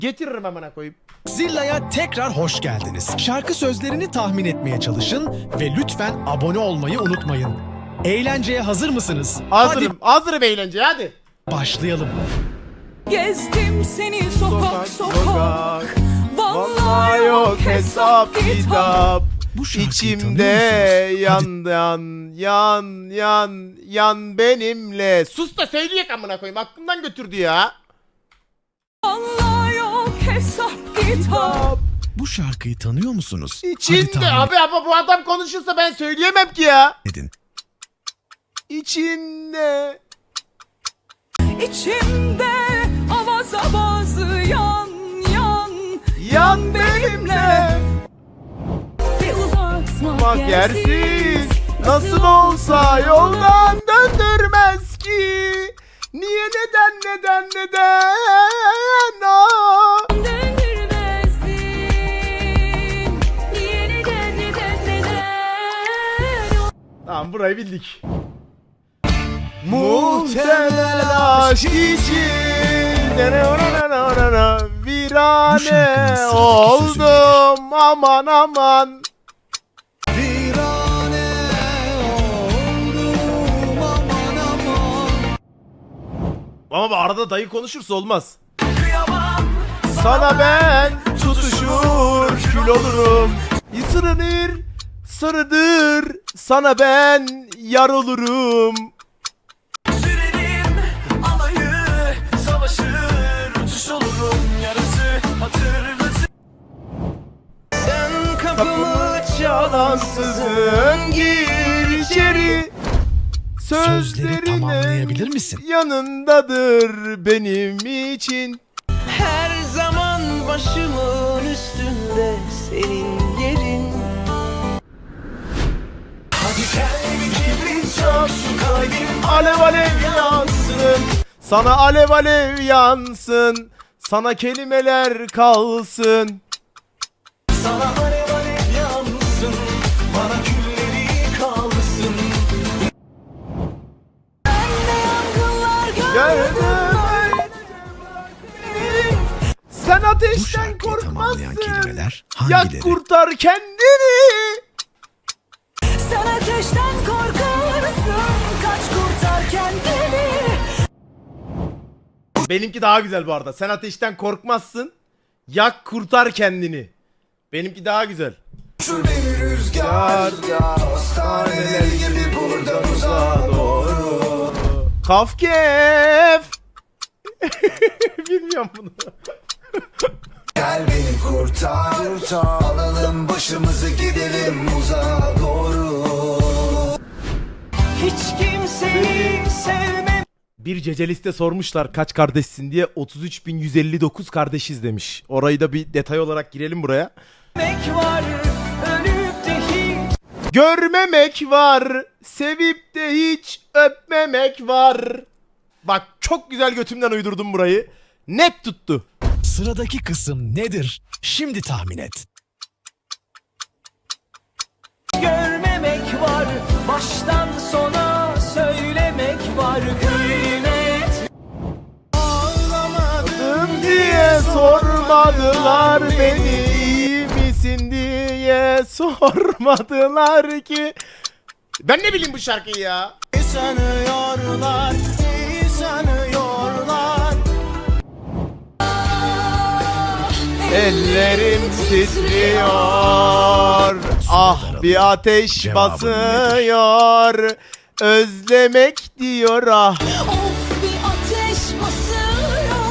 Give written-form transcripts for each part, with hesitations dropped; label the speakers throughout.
Speaker 1: Getiririm amına koyayım.
Speaker 2: Zilla'ya tekrar hoş geldiniz. Şarkı sözlerini tahmin etmeye çalışın ve lütfen abone olmayı unutmayın. Eğlenceye hazır mısınız?
Speaker 1: Hazırım. Hazırım eğlenceye hadi.
Speaker 2: Başlayalım.
Speaker 3: Gezdim seni sokak sokak.
Speaker 1: Vallahi yok hesap kitap.
Speaker 2: Bu şarkıyı
Speaker 1: İçimde
Speaker 2: tanıyor musunuz?
Speaker 1: yan benimle. Sus da söyleyek amına koyayım. Aklımdan götürdü ya.
Speaker 3: Vallahi yok hesap kitap.
Speaker 2: Bu şarkıyı tanıyor musunuz? Hadi
Speaker 1: İçinde
Speaker 2: tahmin
Speaker 1: abi ama bu adam konuşursa ben söyleyemem ki ya.
Speaker 2: edin.
Speaker 1: İçinde.
Speaker 3: İçimde avaz avaz yan
Speaker 1: Yan benimle.
Speaker 3: Bir uzatma
Speaker 1: Bak yersiz. Nasıl olsa yoldan döndürmez ki. Niye neden ah.
Speaker 3: Döndürmezdin. Niye neden
Speaker 1: Tamam burayı bildik. Muhtemel aşk için virane oldum aman. Ama arada dayı konuşursa olmaz. Sana ben tutuşur kül olurum. Sarıdır sana ben yar olurum.
Speaker 4: Sürerim alayı savaşır uçuş olurum yarısı hatırlasın. Sen kapımı
Speaker 1: Çalansızın gir içeri.
Speaker 2: Sözleri tamamlayabilir misin?
Speaker 1: Yanındadır benim için.
Speaker 4: her zaman başımın üstünde senin yerin. Hadi kalbim kibrit çok şu kalbim
Speaker 1: Alev alev yansın. Sana alev alev yansın. Sana kelimeler kalsın.
Speaker 4: sana alev alev yansın. Bana külleri kalsın.
Speaker 1: Gördüm. Sen
Speaker 2: Bu
Speaker 1: ateşten
Speaker 2: şarkıyı tamamlayan
Speaker 1: korkmazsın.
Speaker 2: kelimeler
Speaker 1: Yak
Speaker 2: hangileri?
Speaker 1: kurtar kendini.
Speaker 3: Sen ateşten korkarsın. Kaç kurtar kendini.
Speaker 1: Benimki daha güzel bu arada. Sen ateşten korkmazsın. Yak kurtar kendini. Benimki daha güzel.
Speaker 4: Şu beni rüzgar Hastaneler gibi buradan uzağa doğru.
Speaker 1: Kafkef. Bilmiyorum bunu.
Speaker 4: Gel beni kurtar alalım başımızı gidelim uzağa doğru. Hiç kimseyi sevmem.
Speaker 1: Bir ceceliste sormuşlar kaç kardeşsin diye 33.159 kardeşiz demiş. Orayı da bir detay olarak girelim buraya.
Speaker 4: Var ölüp de hiç
Speaker 1: Görmemek var, sevip de hiç öpmemek var. Bak çok güzel götümden uydurdum burayı. Net tuttu.
Speaker 2: Sıradaki kısım nedir? Şimdi tahmin et.
Speaker 4: görmemek var. Baştan sona söylemek var. Kıymet
Speaker 1: Adım diye sormadılar beni, iyi misin diye sormadılar ki. Ben ne bileyim bu şarkıyı ya.
Speaker 4: sanıyorlar, iyi sanıyorlar.
Speaker 1: Ellerim titriyor. Ah bir ateş
Speaker 2: Cevabın
Speaker 1: basıyor. Özlemek diyor ah.
Speaker 3: Of bir ateş basıyor.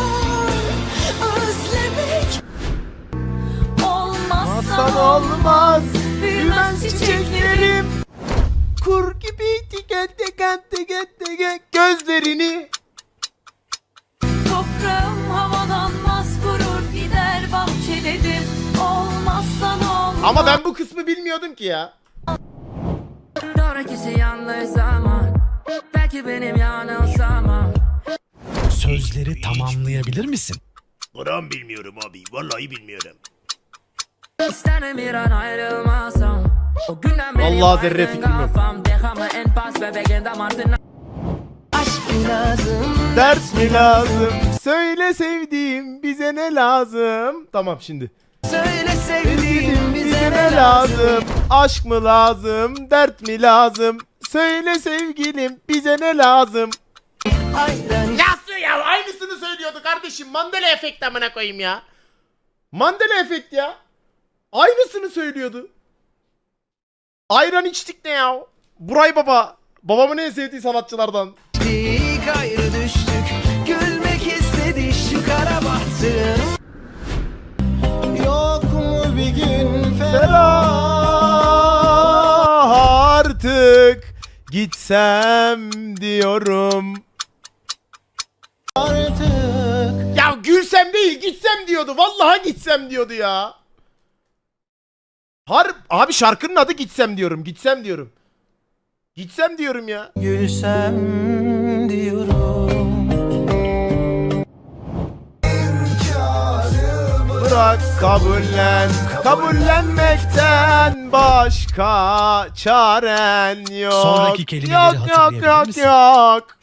Speaker 3: Özlemek.
Speaker 1: Hasan
Speaker 3: Olmazsan
Speaker 1: olmaz.
Speaker 3: büyümez
Speaker 1: Büyümez
Speaker 3: çiçeklerim.
Speaker 1: çiçeklerim. Kur gibi tike gözlerini.
Speaker 3: Toprağım havalanmaz kurur gider bahçelerim. Olmazsan olmaz.
Speaker 1: Ama ben bu kısmı bilmiyordum ki ya.
Speaker 5: Sonrakisi yanlış zaman. Belki benim yanılsamam.
Speaker 2: Sözleri tamamlayabilir misin?
Speaker 1: Buram bilmiyorum abi. Vallahi bilmiyorum.
Speaker 5: İsterim bir an ayrılmasam. O günden beri
Speaker 1: Vallahi zerre
Speaker 5: baygın
Speaker 1: fikrim yok.
Speaker 5: kafam. Déjame en paz bebeğin damartına.
Speaker 4: Aşk lazım.
Speaker 1: Ders mi lazım? Söyle sevdiğim bize ne lazım? Tamam şimdi.
Speaker 4: Söyle sevdiğim
Speaker 1: Bize ne lazım? Aşk mı lazım? Dert mi lazım? Söyle sevgilim bize ne lazım?
Speaker 4: Ayran
Speaker 1: Nasıl ya? Aynısını söylüyordu kardeşim. Mandela efekt amına koyayım ya. Mandela efekt ya. Aynısını söylüyordu. Ayran içtik ne ya? Buray Baba. Babamın en sevdiği sanatçılardan.
Speaker 4: içtik, ayrı düştük. Gülmek istedi şu kara bahtım. Yok mu bir gün
Speaker 1: Ferah artık gitsem diyorum.
Speaker 4: artık?
Speaker 1: Ya gülsem değil gitsem diyordu. Vallahi gitsem diyordu ya. Abi şarkının adı gitsem diyorum. Gitsem diyorum. Gitsem diyorum ya.
Speaker 4: Gülsem diyorum.
Speaker 1: Bırak kabullen. Kabullenmekten başka çaren yok.
Speaker 2: Sonraki kelimeleri
Speaker 1: yok,
Speaker 2: hatırlayabilir
Speaker 1: yok,
Speaker 2: misin?
Speaker 1: yok.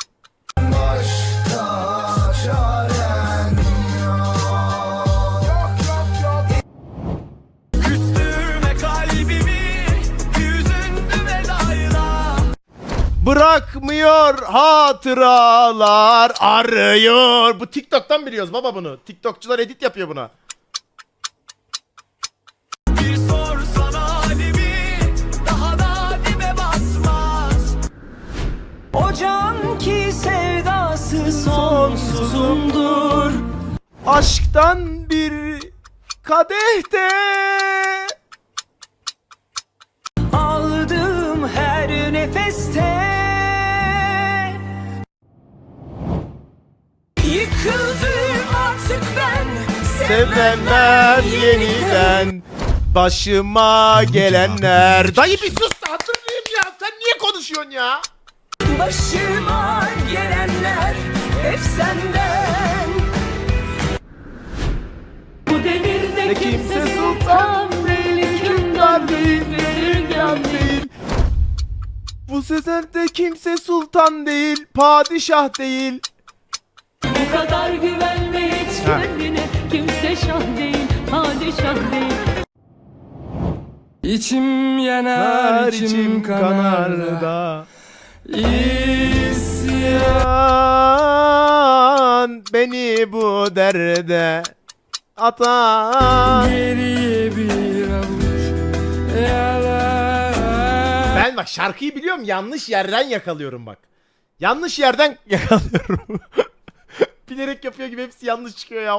Speaker 4: Küstürme kalbimi, yüzündü vedayla.
Speaker 1: Bırakmıyor hatıralar arıyor. Bu TikTok'tan biliyoruz baba bunu. TikTokçular edit yapıyor buna.
Speaker 4: Bir sorsana halimi, daha da dibe basmaz. O can ki sevdası sonsuzumdur.
Speaker 1: Aşktan bir kadehte
Speaker 4: Aldığım her nefeste yıkıldım artık ben.
Speaker 1: sevmem yeniden başıma gelenler. Dayı bir sus da hatırlayayım ya. Sen niye konuşuyorsun ya?
Speaker 4: Başıma gelenler hep senden.
Speaker 3: Bu devirde
Speaker 1: Ne kimse sultan değil, hükümdar değil, bezirgan değil. Bu sezerde kimse sultan değil, padişah değil.
Speaker 3: Bu kadar güvenme hiç
Speaker 1: Ha.
Speaker 3: kendine. Kimse şah değil, padişah değil.
Speaker 4: İçim
Speaker 1: Her
Speaker 4: yanar,
Speaker 1: içim kanar da.
Speaker 4: İsyan.
Speaker 1: İsyan beni bu derde atan.
Speaker 4: Geriye bir avuç yalan.
Speaker 1: Ben bak şarkıyı biliyorum, yanlış yerden yakalıyorum bak. Yanlış yerden yakalıyorum. Bilerek yapıyor gibi hepsi yanlış çıkıyor ya.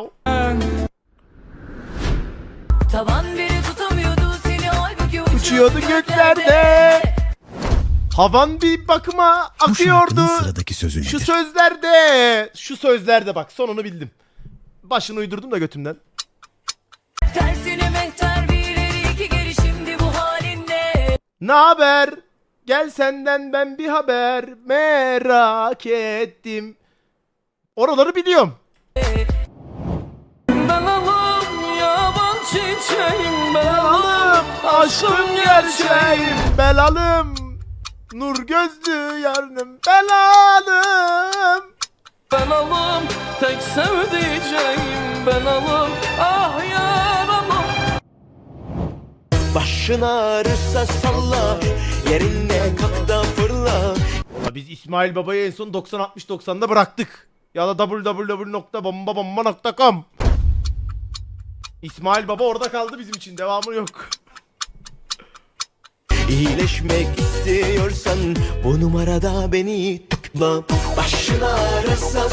Speaker 3: Tavan biri tutamıyordu seni, halbuki
Speaker 1: Uçuyordu göklerde. Havan bir bakıma
Speaker 2: Bu
Speaker 1: akıyordu.
Speaker 2: şarkının sıradaki sözü
Speaker 1: Şu
Speaker 2: nedir?
Speaker 1: sözlerde. Şu sözlerde bak, sonunu bildim. Başını uydurdum da götümden.
Speaker 3: tersine mehter bir ileri iki geri, şimdi bu halinde.
Speaker 1: Ne haber? Gel senden ben bir haber merak ettim. Oraları biliyorum.
Speaker 4: Belalım yaban çiçeğim,
Speaker 1: Belalım aşkım gerçeğim, belalım nur gözlü yarınım, belalım.
Speaker 4: belalım tek sevdiceğim, belalım ah yaralım. Başın ağrırsa salla, yerinde kalk da fırla.
Speaker 1: Valla biz İsmail Baba'yı en son 90-60-90'da bıraktık. Ya da www.bombabomba.com. İsmail Baba orada kaldı bizim için. Devamı yok.
Speaker 6: İyileşmek istiyorsan bu numarada beni tıkla. Başın ağrırsa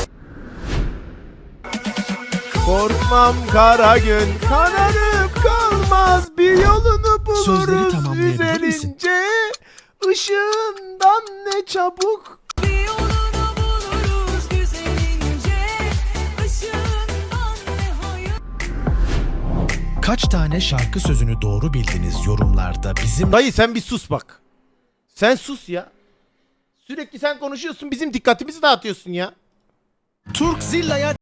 Speaker 1: Korkmam kara gün kararıp kalmaz, bir yolunu
Speaker 2: Sözleri
Speaker 1: buluruz
Speaker 2: tamamlayabilir misin?
Speaker 1: üzerince. Işığından ne çabuk.
Speaker 3: Bir yolunu buluruz güzelince. Işığından ne hayır.
Speaker 2: Kaç tane şarkı sözünü doğru bildiniz yorumlarda bizim
Speaker 1: Dayı sen bir sus bak. Sen sus ya. Sürekli sen konuşuyorsun, bizim dikkatimizi dağıtıyorsun ya.
Speaker 2: Turkzilla'ya